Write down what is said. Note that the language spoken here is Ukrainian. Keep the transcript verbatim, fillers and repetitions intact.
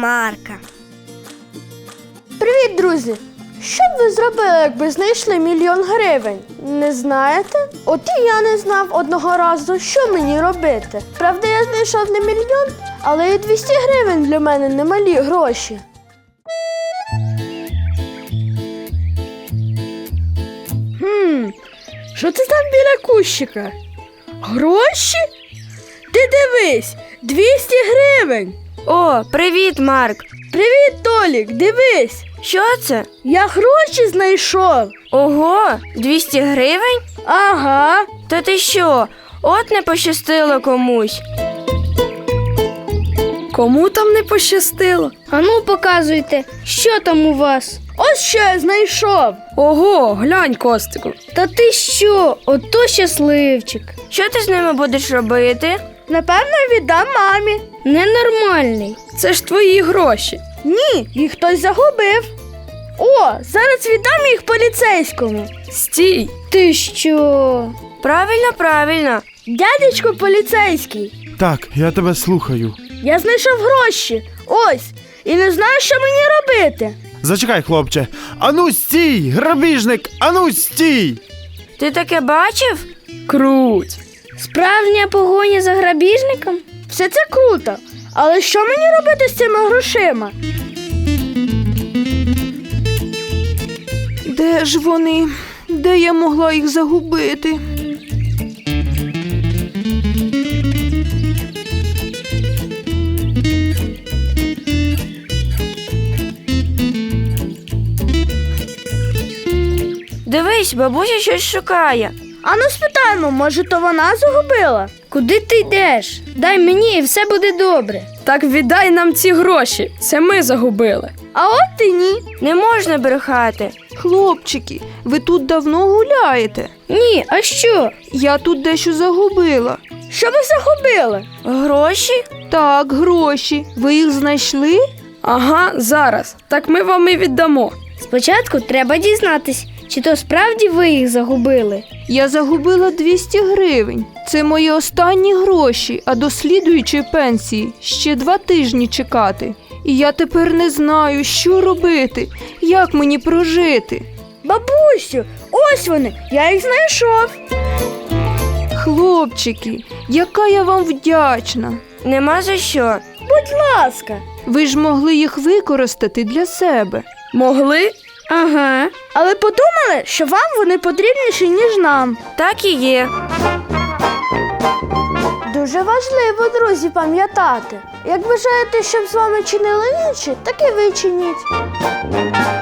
Марка. Привіт, друзі! Що б ви зробили, якби знайшли мільйон гривень? Не знаєте? От і я не знав одного разу, що мені робити. Правда, я знайшов не мільйон, але і двісті гривень для мене немалі гроші. Хм, що це там біля кущика? Гроші? Ти дивись, двісті гривень! О, привіт, Марк. Привіт, Толік, дивись! Що це? Я гроші знайшов! Ого, двісті гривень? Ага. Та ти що? От не пощастило комусь. Кому там не пощастило? Ану, показуйте, що там у вас? Ось що я знайшов. Ого, глянь, Костику. Та ти що? Ото щасливчик. Що ти з ними будеш робити? Напевно, віддам мамі. Ненормальний. Це ж твої гроші. Ні, їх хтось загубив. О, зараз віддам їх поліцейському. Стій. Ти що? Правильно, правильно. Дядечко поліцейський, Так, я тебе слухаю. я знайшов гроші. Ось. І не знаю, що мені робити. Зачекай, хлопче. Ану стій! Грабіжник! Ану стій! Ти таке бачив? Круть. Справжня погоня за грабіжником? Все це круто. Але що мені робити з цими грошима? Де ж вони? Де я могла їх загубити? Дивись, бабуся щось шукає. Ану спитаємо, може, то вона загубила? Куди ти йдеш? Дай мені і все буде добре. Так віддай нам ці гроші, це ми загубили. А от і ні. Не можна брехати. Хлопчики, ви тут давно гуляєте? Ні, а що? Я тут дещо загубила. Що ви загубили? Гроші? Так, гроші. Ви їх знайшли? Ага, зараз. Так ми вам і віддамо. Спочатку треба дізнатись, чи то справді ви їх загубили. Я загубила двісті гривень. Це мої останні гроші, а до слідуючої пенсії ще два тижні чекати. І я тепер не знаю, що робити, як мені прожити. Бабусю, ось вони, я їх знайшов. Хлопчики, яка я вам вдячна. Нема за що. Будь ласка. Ви ж могли їх використати для себе. Могли? Ага. Але подумали, що вам вони потрібніші, ніж нам. Так і є. Дуже важливо, друзі, пам'ятати. Як бажаєте, щоб з вами чинили інші, так і ви чиніть.